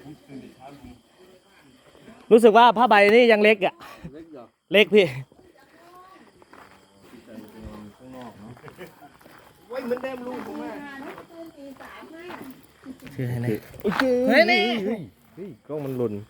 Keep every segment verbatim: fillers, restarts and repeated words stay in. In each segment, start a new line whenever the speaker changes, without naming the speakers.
รู้สึกว่าผ้าใบนี่ยังเล็กอ่ะเล็กพี่
ไว้เหมือนเดิมลูกผมว่า
เฮ้ยนี่กล้องมันหล่น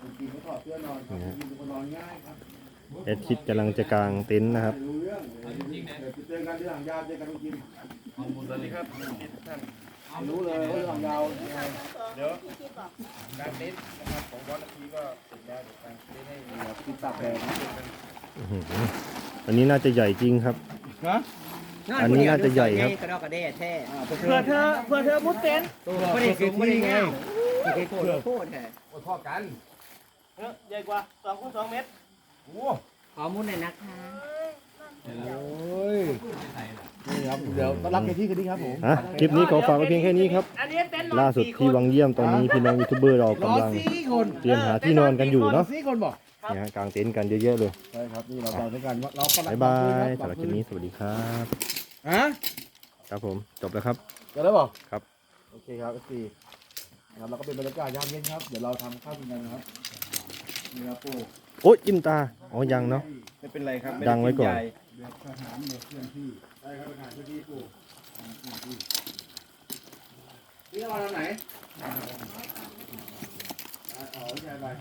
แอดคิดกำลังจะกางเต็นท์นะครับ
เจอกันที่หลังยาวเจอกันทุกทีสวัสดีครับท่านรู้เลยว่าหลังยาวเดี๋ยวการเต็นท์นะครับของวันนาทีก็เสร็จแล้วเดี๋ยวการเต็นท์ให้ติดตากแดด
อันนี้น่าจะใหญ่จริงครับอันนี้น่าจะใหญ่ครับ
กระดอกกระเด้แท้
เพื่อเธอเพื่อเธอมุดเต็นท์
ไม่ได้สูงไม่ได้เงาโคตรโคตรแท้
โอ้พ่อกัน
ใหญ่กว่าสองคูณสองเมตร
โอ้
ขอมุดหน่อยนะคะ
โอ้ยนี่ครับเดี๋ยวต้อนรับในที่กันดีครับผม
คลิปนี้ขอฝากไว้เพียงแค่นี้ครับล่าสุดที่วังเยี่ยมตอนนี้พี่น้องยูทูบเบอร์เรากำลังเตรียมหาที่นอนกันอยู่เนาะเนี่ยกางเต็นท์กันเยอะๆเลย
ใช่ครับนี่เราเราด้วยกันเรา
บายบายสำหรับคลิปนี้สวัสดีครับ
ฮะ
ครับผมจบแล้วครับ
จบแล้วบอก
ครับ
โอเคครับสี่ครับเราก็เป็นบรรยากาศยามเย็นครับเดี๋ยวเราทำข้าวกินกันนะครับนี่ครับปู่
โอ๊ยจิ้มตาอ๋อยังเนาะ
ไม่เป็นไรครับ
ดังไว้ก่อน
เดือดทหารเดือดเคลื่อนที่ใช่ครับทหารเคลื่อนที่ปู่นี่เราทำไหนอ๋อใช่ไป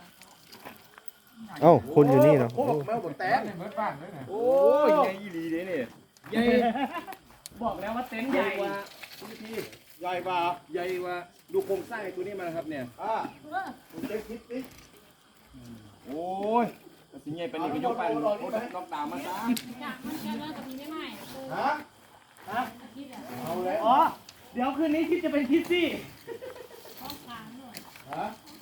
เอ้าคนอยู่นี่เนาะ
โอ้แมวบนแตนเบิร์ดบ้านเลยนะโอ้ยใหญ่ดีเลยเนี่ยใหญ่
บอกแล้วว่าเต็นท์ใหญ่
กว่าพี่ใหญ่กว่าใหญ่กว่าดูโครงสร้างตัวนี้มาครับเนี่ยอ่าผมเช็คคิดสิโอ้ยสิ่งใหญ่เป็นอีกยกไปล็อกดาวน์มาซะ
มันแค่ว่าจะมีไม่ไหม
ฮะฮะเอาเลย
อ๋อเดี๋ยวคืนนี้คิดจะเป็นคิดซี่
ฮะ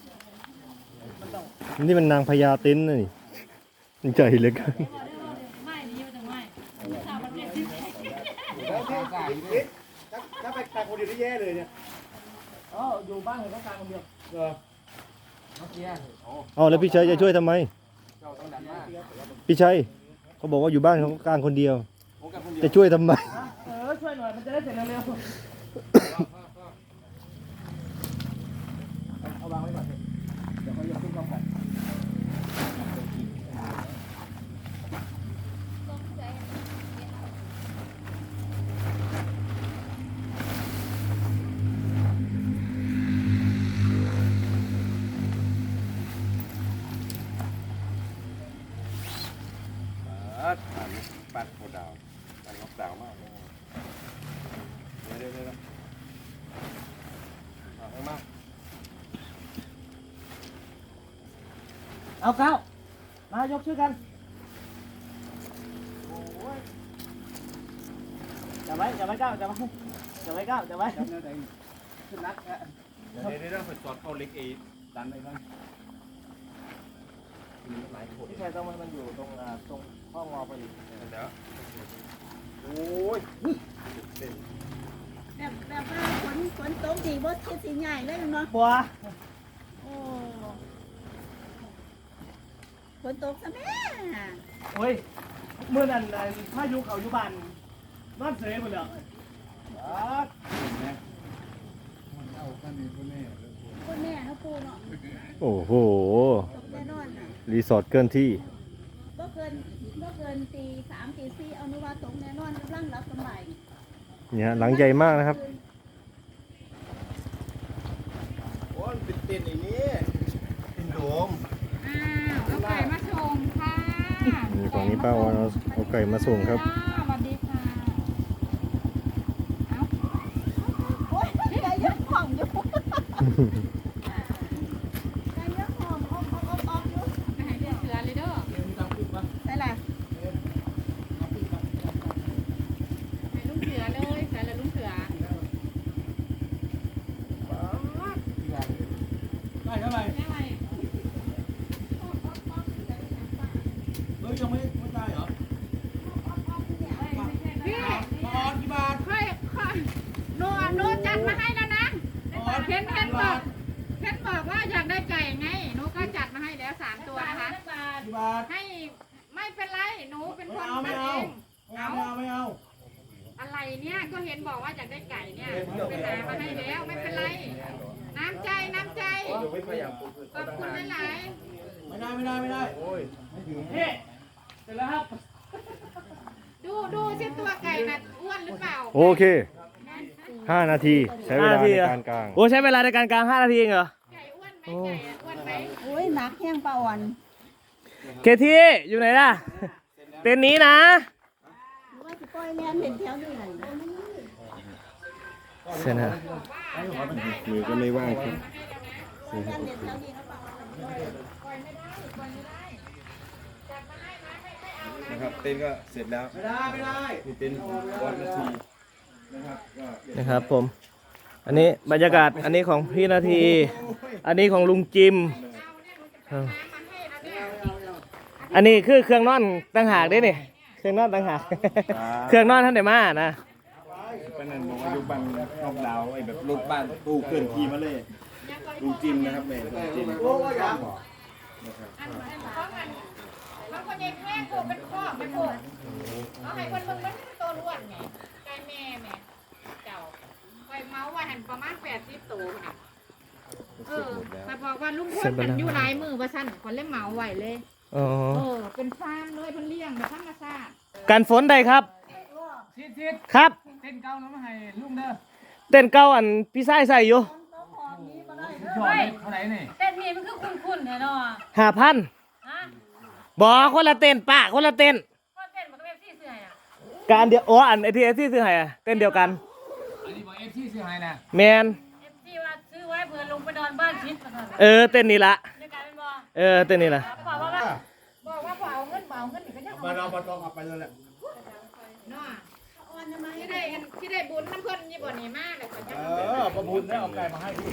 นี่มันนางพญาเต็นท์นี่ใจเหลือเกิน
ไม่นี่มันจะไม่สาวประเภทที่
แล้วที่ใส่ดิถ้าไปแต่คนเดียวได้แย่เลยเนี่ย
อ๋ออยู่บ้านเห็นเขากลางคนเดียว
เออ
อ๋อแล้วพี่ชัยจะช่วยทำไมพี่ชัยเขาบอกว่าอยู่บ้านเขากลางคนเดียวจะช่วยทำไม
เออช่วยหน่อยมันจะได้เสร็จเร็ว
เอาวางไว้ก่อนเดี๋ยวเขายกขึ้นพร้อมกันปัดโคดาวปัดล็อกดาวมากเลยเดี๋ยวเดี๋ยวเดี๋ยวเอาข้างมา
เอาเก้ามายกชื่อกันจับไว้จับไว้เก้าจับไว้จับไว้เก้าจับไว้
จับเนี่ยไหนขึ้นนักฮะเดี๋ยวเดี๋ยวเดี๋ยวสอดเข้าเล็กเอดันไปบ้าง
พี่ชายต้องมันอยู่ตรงตรงห้องงอพอดี
เดี๋ยวโอ้ย
แบบแบบว่าฝนฝนตกดีบ่เทียสีใหญ่เลยเนาะ
บัว
โอ้ฝนตกซะแม่
โอ้ยเมื่อนั้นพายุเขาอยู่บ้านนอนเสยหมดเลย
คนแม่เขาปูเนาะ
โอ้โหรีสอร์ทเกินที่
ก็เกินก็เกินตีสามตีสี่เอานุว่าตกแน่นอนกำลังรับสบาย
เนี่ยหลังใหญ่มากนะครับ
โอ้ยเป็นเต็นอย่างนี้เป็นโดม
อ้าวเอาไก่มาส่งค่ะ
นี่ฝั่งนี้ป้าวันเอาไก่มาส่งครับ
สวัสดีค่ะเอ้าโอ้ยไก่ยังหอมอยู่
ยังไม่ไม่ได้เหรอ
พี่ปอนกี่บาทค่อยค่อยโนโนจัดมาให้แล้วนะเห็นเห็นบอกเห็นบอกว่าอยากได้ไก่ไงหนูก็จัดมาให้แล้วสามตัวนะคะให้ไม่เป็นไรหนูเป็นคนทำเอง
ไม่เอาไม่เอา
อะไรเนี่ยก็เห็นบอกว่าอยากได้ไก่เนี่ยไปหามาให้แล้วไม่เป็นไรน้ำใจน้ำใจ
เพยายามปลูกพืช
ขอบคุณหลาย
ไม่ได้ไม่ได้ไม่ได้โอ้ย
นี่เสร็จแล้วครับ
ๆดูดูสิตัวไก่น่ะอ้วนหรือเปล่า
โอเคห้านาทีใช้เวลาในการกาง
โอ้ใช้เวลาในการกลางห้านาทีเองเหรอ
ไก่อ้วนไหมไก่อะอ้วนไหม
โอ้ยหนักแห้งปลาอ่อน
เคที่อยู่ไหนล่ะ เต็นท์นี้นะ
ว่าจะปล่อยแลนเห็นแถวนี้ไหน
เสร็จนะ มือก็ไม่ว่างครับ
แลนเห็นแถวนี้เขาบอกว่า
นะครับเต้นก็เสร็จแล้วไม่ได้ไม่ได้นี่เป็นวันนาทีนะครับก็
นะครับผม อันนี้บรรยากาศ อันนี้ของพี่นาที อันนี้ของลุงจิมเอออันนี้คือเครื่องนอนต่างหากเด้นี่เครื่องนอนต่างหาก เครื่องนอนท่านเดมานะ
ก็นั่นบอกว่าดูบ้านนอกดาวไอ้แบบรถบ้านตู้เคลื่อนที่มาเลยลุงจิมนะครับแม่ลุงจิม
อันอันของอันของคนใหญ่แค่โคเป็นข้อเป็นโคเอาให้คนมึงมันตัวล้วนไงไก่แม่แม่เจ้าไว้เมาส์ว่าหันประมาณแปดสิบตัวน่ะเออแต่บอกว่าลุงพลมันอยู่หลายมือว่าสั้นคนเล่นเมาส์ไว้เลย
อ๋อ
เออเป็นฟาร์มเลยเพิ่นเลี้ยงแบบธรรมชาติ
การฝนได้ครับ ครับ เต้นเก้าน้ำให้ลุงเด้อ เต้นเก้าอันพี่ชายใส่อยู่
เฮ้ยเต้นนี่มันคือคุ้นๆแน่นอน
ห้าพัน
ฮะ
บอกคนละเต้นป้าคนละเต้น
ก็เต้นมันก็เป็นซี่เสื้ออ่ะ
การเดียวอ๋ออันไอทีเอที่ซื้อให้อะเต้นเดียวกัน
อันนี้บอกเอฟซีซื้อให้นะ
แมน
เอฟซีว่าซื้อไว้เผื่อลงไปนอนบ้านชิดมาก่อน
เออเต้นนี่ละ
ในการเป็นบอ
เออเต้นนี่ละ
บอกว่าว่า
บอกว่าบ่เอาเงินบ่เอาเงินนี่ก็ยัง
มาเราปตองขับไปเลยแหละ
เนาะที่ได้ที่ได้บุญน้ำเพิ่นยี่บ่นี่มากเลยก็จะ
เออประบุญแล้วเอาไก่มาให้พี่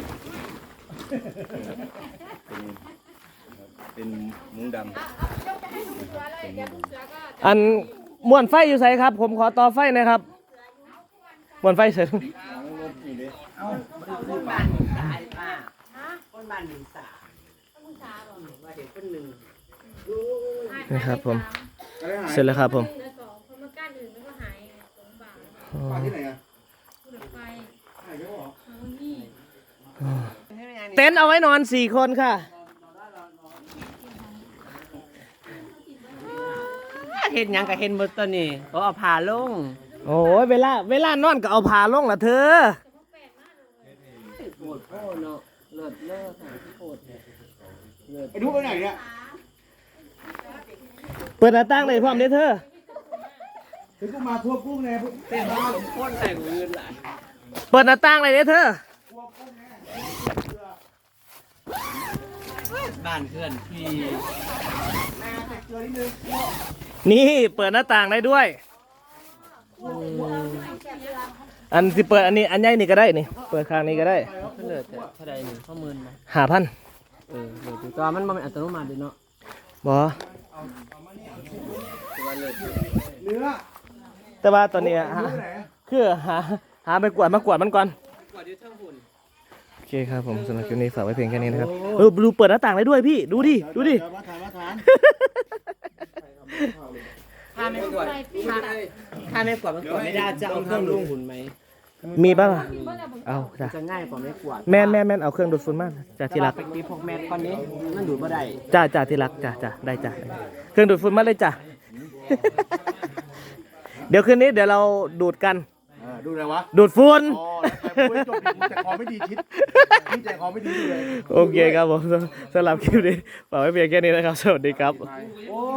เป็นมุ้งดำ
เอาเอายกไปให้ลุงเสือเลยเดี๋ยวลุงเสือก็จะ
อันม่วนไฟอยู่ไสครับ ผมขอต่อไฟหนะครับม่วนไฟเสร็จ
คนบ้านหนึ่งสายป้าคนบ้านหนึ่งสายว่าเด็กคนหนึ่ง
นะครับผม เสร็จแล้วครับผม
เหลือสองเพราะมันก้านอื่นมันก็หายไงสองบาท
อ๋อ
มาที่ไหนอ่ะ
ผู้ดับไฟ
ไหนก็บอก
เอานี่
เต็นท์เอาไว้นอนสี่คนค่ะ
เห็นยังกับเห็นหมดตัวนี้เขาเอาผ่าลง
โอ้ยเวลาเวลานอนก็เอาผ้าลงละเธอ
โคตรโคตรเนาะเลิศเลิศค่ะโคตร
ไอ้ดูไปไหนเนี่ย
เปิดหน้าต่างเลยพร้อมเด้อเธอ
ถึงกูมาทั่วกุ้งเนี่ย
เต้นบ้านผมโคตรใส่เงินหลาย
เปิดหน้าต่างเลยเด้อเธอ
บ้านเพื่อนพี่
นี่เปิดหน้าต่างได้ด้วย อันที่เปิดอันนี้อันใหญ่นี่ก็ได้นี่ เปิดข้างนี้ก็ได้
เลิศแต่เท่าใดหนึ่งข้อมือมา
หาพัน
เออเลิศตัวมันมันอัตโนมัติเนาะ
บอ
เนื้อ
แต่ว่าตอนนี้อะฮะคือหาหาไปกวาดมากวาดมันก่อน
กว่าเดี๋ยวเท่าหุ่น
โอเคครับผมสำหรับคลิปนี้ฝากไว้เพียงแค่นี้นะครับเออดูเปิดหน้าต่างได้ด้วยพี่ ดูดิ ดูดิ
มาทานมาทาน
ถ้าไม่กวดถ้าถ้าไม่กวดมันกวดไม่ได้จะเอาเครื่องดูดฝุ่นไหม
มีป่ะล่ะเอาจ้ะ
จะง่ายกว่าไม่กวด
แม่นแม่นแม่นเอาเครื่องดูดฝุ่นมาจ้ะที่รัก
ไปตีพวกแมทคนนี้มันดูดบ่ได้
จ้าจ้าที่รักจ้าจ้าได้จ้าเครื่องดูดฝุ่นมาเลยจ้า เดี๋ยวคืนนี้เดี๋ยวเราดูดกัน
ดูอะไรวะ
ดูดฝุ่น
อ๋อแต่พูดจบดิแต่คอไม่ดีชิดพี่ใจคอไม่ดีเลย
โอเคครับผมสำหรับคลิปนี้ฝากไว้เพียงแค่นี้นะครับ สวัสดีครับ
โอ้